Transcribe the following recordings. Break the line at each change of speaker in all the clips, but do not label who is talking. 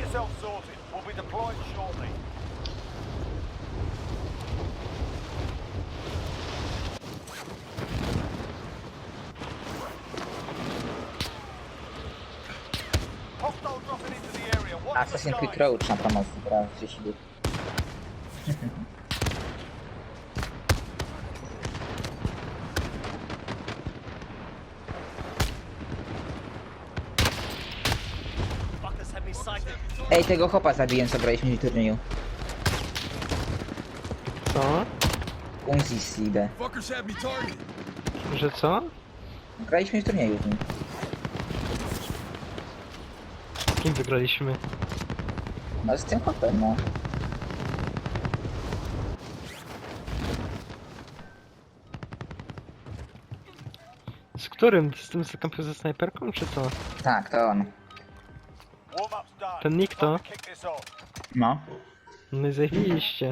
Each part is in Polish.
yourself sorted. We'll be deploying shortly. Hostile dropping into the area. Watch the
Assassin's Creed
skies.
Roach na promocji, brałem 30 dni.
Fuckers had me psyched.
Ej, tego chopa zabiłem, co graliśmy w turnieju.
Co?
Unzi Side.
Fuckers had me targeted.
Że co?
Graliśmy w turnieju z nim.
Z kim wygraliśmy?
No z tym chopem, no.
Z którym? Z tym co kampił ze snajperką, czy co?
Tak, to on.
Warm-up's done.
Ten nick to?
Time to kick this off.
No.
No i zajebiście.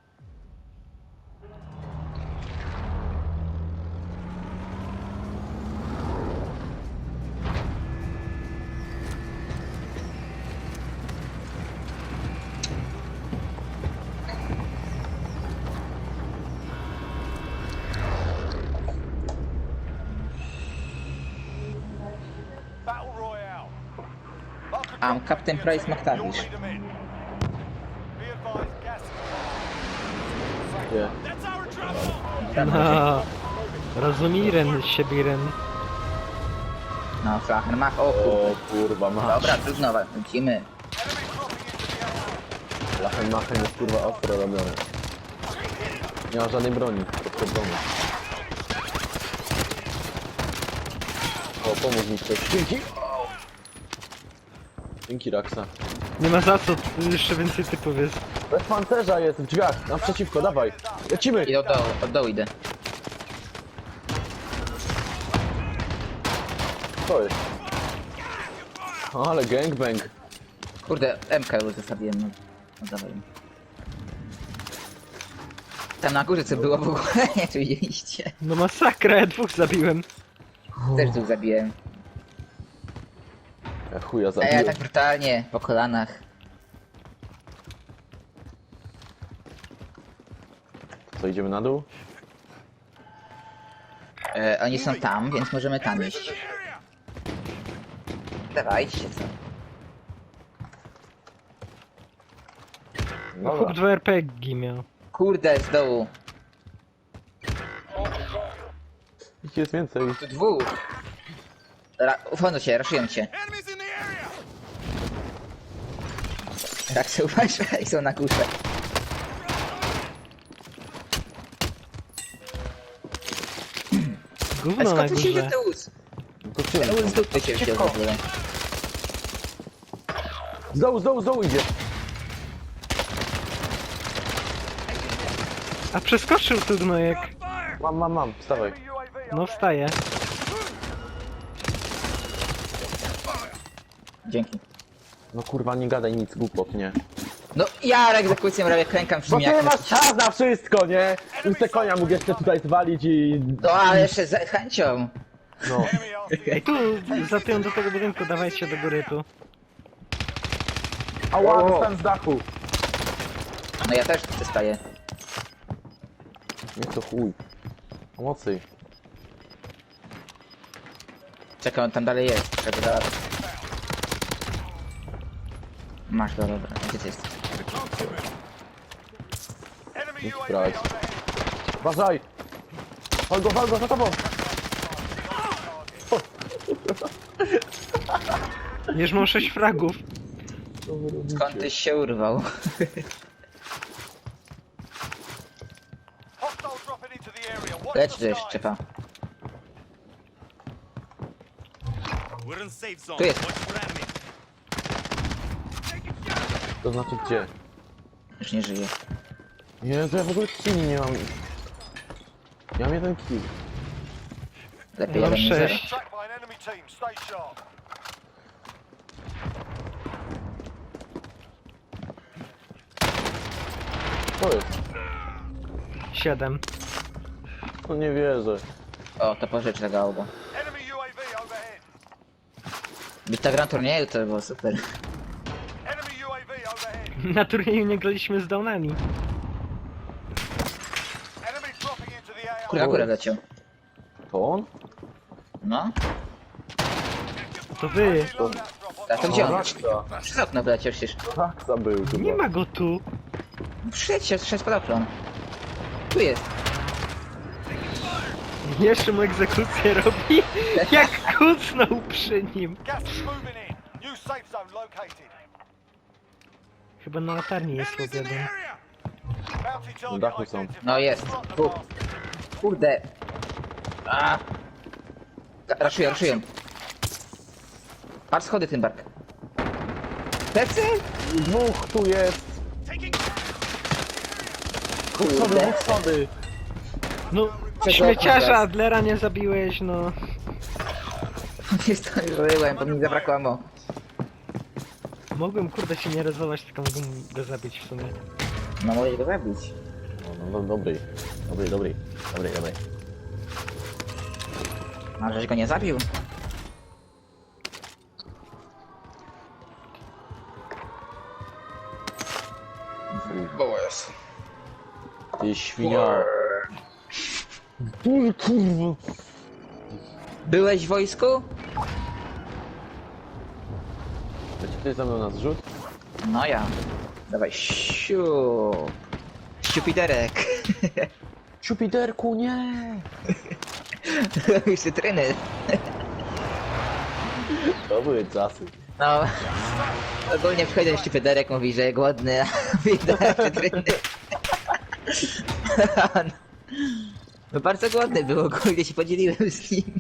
Battle Royale. Mark a
I'm
drop
Captain
to your
Price
team.
McTavish.
You'll lead 'em in. Be advised, gas is
Nie.
That's our drop.
No. Rozumiren, siebiren.
No, Flachenmach, o
O
kurde.
kurwa, masz.
Dobra, trudno, lecimy.
Enemy dropping into the area.
Lachenmachen jest kurwa ostro robiony. Nie ma żadnej broni podchodzony. O, pomóż mi ktoś. Dzięki! Dzięki, Raksa.
Nie ma za co, tu jeszcze więcej typów jest.
Bez pancerza jest w drzwiach, naprzeciwko, dawaj. Lecimy!
I od dołu idę.
Co jest? O, ale gangbang.
Kurde, MK już zostawiłem, no. No dawaj. Tam na górze co było w ogóle, nie tu widzieliście.
No masakra, ja dwóch zabiłem.
Też tu zabiłem.
Ja chuja
A ja
zabiłem.
tak brutalnie, po kolanach.
Co, idziemy na dół?
Oni są tam, więc możemy tam iść. Dawajcie, co?
No chłop 2 RPG miał.
Kurde, z dołu.
Ich jest więcej.
Tu dwóch. Ufono cię, raszują cię.
Enemies in the area.
Tak się uważaj, są na górze. A
Gówno na
skąd tu się
górze.
wziął ten łóz?
No to
Ten
cię.
łóz dupy się wziął w ogóle.
Z dołu idzie.
A przeskoczył tu gnojek.
Mam, wstawaj.
Enemy UAV
No wstaje.
Dzięki.
No kurwa, nie gadaj nic, głupot, nie.
No ja egzekucję robię, klękam przy
Bo
mnie
ty
jak...
masz czas na wszystko, nie? Już te konia mógł jeszcze tutaj zwalić i...
No ale jeszcze z chęcią.
No.
Enemy RC.
Tu, za tyłem do tego budynku, dawajcie do góry tu.
Ała, dostałem z dachu.
No ja też tu przestaję.
Nie to chuj. Pomocy.
Czekaj, on tam dalej jest. Trzeba dalej. Masz go, dobra. Gdzie ty jest?
Enemy
Idź
UAV
brać.
overhead.
Uważaj! Wal go, za tobą!
Już mam 6 fragów.
Skąd tyś się urwał?
Hostile dropping into the area. Watch
Leć
the
tu jeszcze,
skies.
czepa.
We're in safe zone.
Tu jest.
Watch for enemy.
To znaczy gdzie?
Już nie żyje.
Jezu, ja w ogóle killi nie mam. Ja mam jeden kill.
Lepiej
Mam
jeden niż zero.
6.
Tracked by an enemy team. Stay sharp.
Co jest?
7.
No nie wierzę.
O, to pożycz tego oba.
Enemy UAV overhead.
Byś ta gra turnieju to było super.
Enemy
Na turnieju nie graliśmy z downami.
Enemy dropping into the AR.
Kurde, akurat leciał.
To on?
No.
To wy.
Loadout drop on
A to gdzie on?
Raksa.
Przez okno wleciał przecież.
Raksa był chyba.
Nie ma go tu.
Szedł pod okno. Tu jest.
Jeszcze mu egzekucję robi. Jak kucnął przy nim.
Gas is moving in. New safe zone located.
Chyba na latarni jest jeden.
Bounty target
dachu są.
identified.
No jest.
Slot the
Tu.
blast.
Kurde. A. Raszują. Patrz schody, Tymbark. Plecy?
Dwóch tu jest. Schody,
Kurde.
dwóch schody.
No,
Czego
śmieciarza
teraz?
Adlera nie zabiłeś, no.
Nie zdążyłem, bo mi zabrakło ammo.
Mogłem kurde się nie rezować, tylko mogłem go zabić w sumie.
No mogę go zabić.
No, dobry. Dobry.
A żeś go nie zabił?
Ty świnia. Kurwa.
Byłeś w wojsku?
Leci ktoś ze mną na zrzut?
No ja. Dawaj, Ściupiderek.
Jupiterku, nie!
Już cytryny.
To były czasy.
No. Ogólnie przychodzi ten ściupiderek, mówi, że głodny, a mówi, dawaj cytryny. No bardzo głodny był, ogólnie się podzieliłem z nim.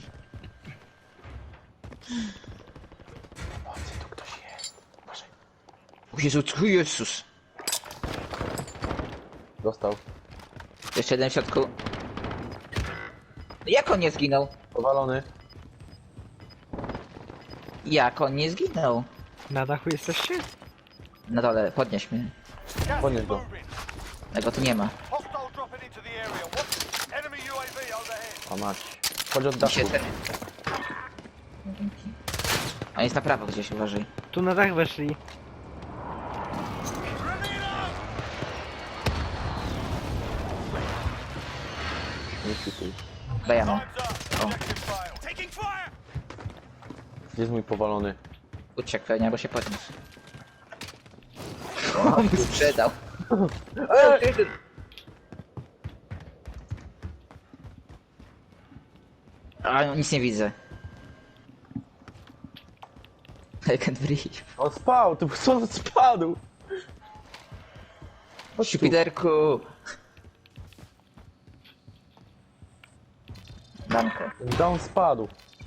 O, gdzie tu ktoś jest? Uważaj.
O Jezus.
Dostał.
Jeszcze jeden w środku. Jak on nie zginął?
Powalony.
Jak on nie zginął?
Na dachu jesteście?
Na dole, podnieś mnie.
Gas
Podnieś
is
go.
moving.
Tego tu nie ma.
Hostile dropping into the area. What? Enemy UAV overhead.
A mać. Chodź od dachu.
Się ten... On jest na prawo gdzieś, uważaj.
Tu na dach weszli.
Nie śwituj.
Dajemy.
Time's up. Objective failed. Taking fire.
Gdzie jest mój powalony?
Uciekł pewnie, albo się podniósł. On mi sprzedał. A nic nie widzę. I can't breathe.
On spał! Ty co spadł?
Ściupiderku! Danko.
Down spadł.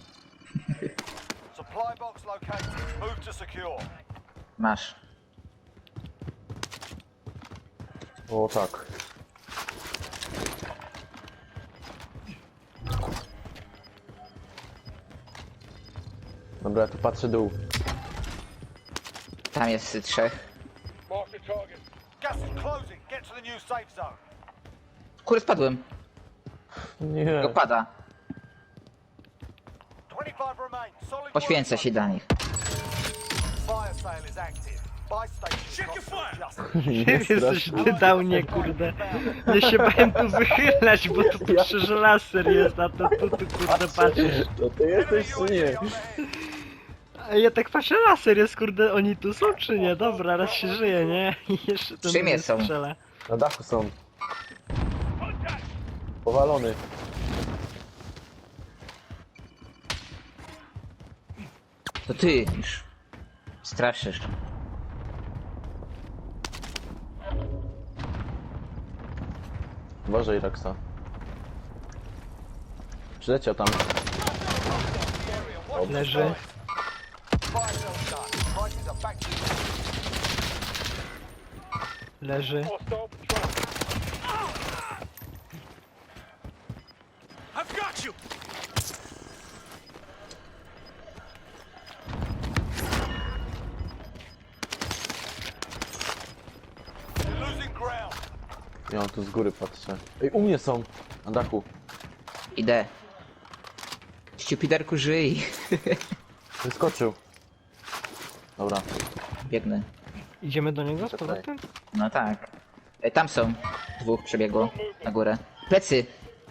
Supply box located. Move to secure.
Masz.
O tak. Dobra, ja tu patrzę dół.
Tam jest trzech.
Gas is closing. Get to the new safe zone.
Kurde, spadłem.
Nie.
Go pada.
25 remain. Solid work,
Poświęcę się dla nich.
Fire sale is active. Buy station. Check your fire.
Nie
Jesteś
strasz.
ty dał nie kurde. Ja się bałem tu wychylać, bo tu przecież laser jest, a to tu kurde patrzysz.
To ty jesteś czy nie?
A ja tak patrzę, laser jest kurde, oni tu są czy nie? Dobra, raz się żyje, nie? I jeszcze ten
Czym
drugi
są?
strzela.
Na dachu są. Powalony.
To ty już. Straszysz.
Uważaj, Raksa. Przyleciał tam.
Leży.
Fire sale's done. Prices are back to
Leży.
I've got you. You're losing ground.
Ja tu z góry patrzę. Ej, u mnie są. Na dachu.
Idę. Ściupiderku, żyj.
Wyskoczył. Dobra.
Biegnę.
Idziemy do niego z
Czekaj.
powrotem?
No tak. Tam są. Dwóch przebiegło na górę. Plecy.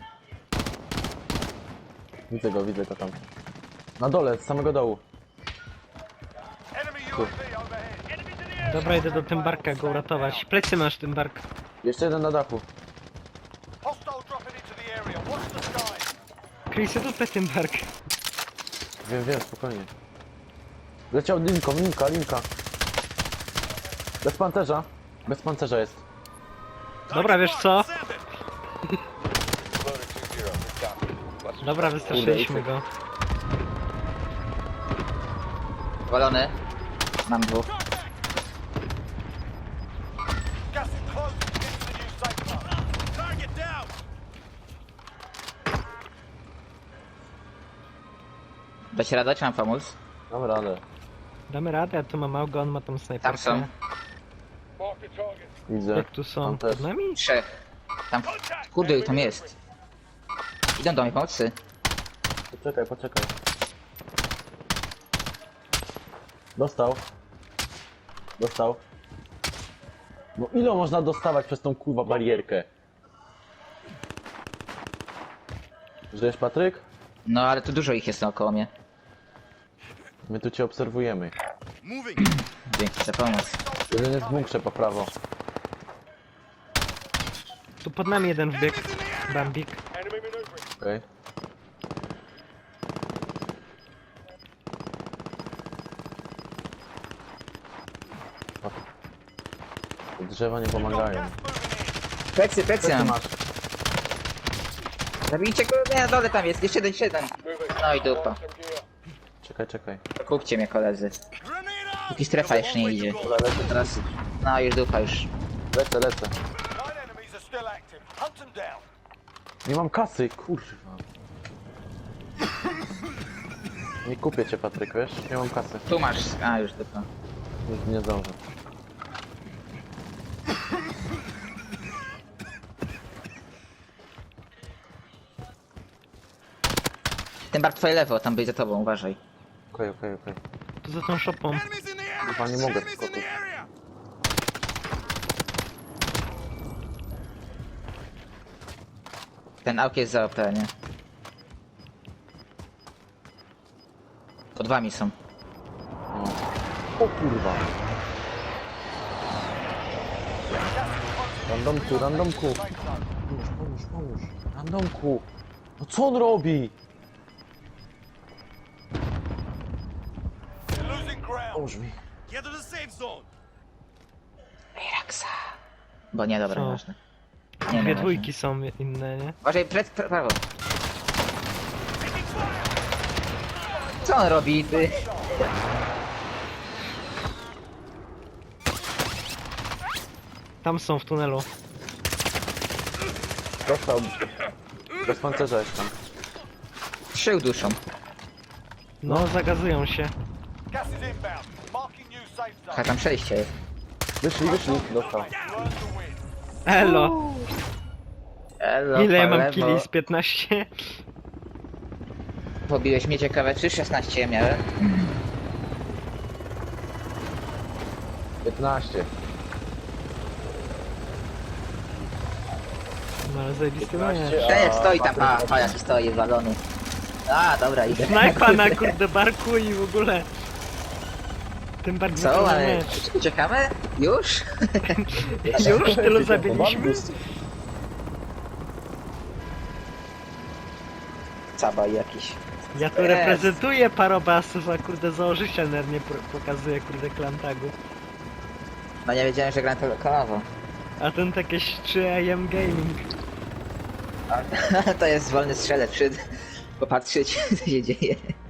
Widzę go tam. Na dole, z samego dołu.
Enemy UAV overhead. Enemies in the air.
Dobra, idę do Tymbarka go uratować. Plecy masz, Tymbark.
Jeszcze jeden na dachu.
Hostile dropping into the area. Watch the sky.
Chrisy, dupę Tymbark.
Wiem, spokojnie. Leciał linka. Bez pancerza jest.
Dobra, wiesz co? Dobra, wystraszyliśmy go.
Walony. Mam dwóch.
Gas is closing. Get to the new safe zone. Target down.
Dać radę, czy mam pomóc?
Dam radę.
Damy radę, ja tu mam Auga, on ma tam snajperkę.
Tam są.
Mark the target.
Widzę.
Jak tu są?
Tam też.
Przed nami?
Trzech. Tam. Kurde, ile tam jest. Idą do mnie pomocy.
Poczekaj. Dostał. No ile można dostawać przez tą kurwa barierkę? Żyjesz, Patryk?
No ale tu dużo ich jest naokoło mnie.
My tu cię obserwujemy.
Dzięki za pomoc.
Jeden jest w bunkrze po prawo.
Tu pod nami jeden wbiegł. Bambik.
Enemy maneuvering.
Okej. Te drzewa nie
Got
pomagają.
gas moving in.
Plecy
Co
mam.
masz?
Zabijcie go, nie, na dole tam jest, jeszcze jeden. No i dupa.
Czekaj.
Kupcie mnie koledzy. Póki strefa jeszcze nie idzie. Teraz, no już dupa już.
Lecę.
9 enemies are still active. Hunt them down.
Nie mam kasy, kurwa. Nie kupię cię, Patryk, wiesz? Nie mam kasy.
Tu masz, a już dupa.
Już nie zdążę.
Ten bar twoje lewo, tam byś za tobą, uważaj.
Okej.
Tu za tą szopą.
Chyba nie mogę skoczyć.
Ten auk jest za OP, nie? Pod wami są.
No. O kurwa. Randomku. Pomóż. Randomku. No co on robi?
You're losing ground.
Pomóż mi.
Get to the safe zone.
Raksa. Bo nie, dobra,
Co?
ważne.
Dwie dwójki są inne, nie?
Uważaj, prawo. Co on robi, ty?
Tam są w tunelu.
Dostał. Bez pancerza jest tam.
Trzy duszą.
No, zagazują się.
Gas is inbound. Marking new safe
A
zone.
tam przejście jest.
Wyszli. Dostał.
You earned the win.
Elo!
Elo,
Ile ja
po
mam
lewo.
kili z 15?
Pobiłeś mnie ciekawe, czy 16 ja miałem?
15.
No ale zajebisty nie.
Ten stoi tam, a jaki stoi, walony. A, dobra, idę.
Snajpa na kurde barku i w ogóle. Tym bardziej
Co, ale
mecz.
uciekamy? Już?
Już tylu zabiliśmy?
Cabaj jakiś.
Ja tu reprezentuję parobasów, a kurde założyciel nawet nie pokazuje kurde klantagu.
No nie wiedziałem, że gram to lokowo.
A ten jakieś 3AM Gaming.
To jest wolny strzelec, popatrzeć co się dzieje.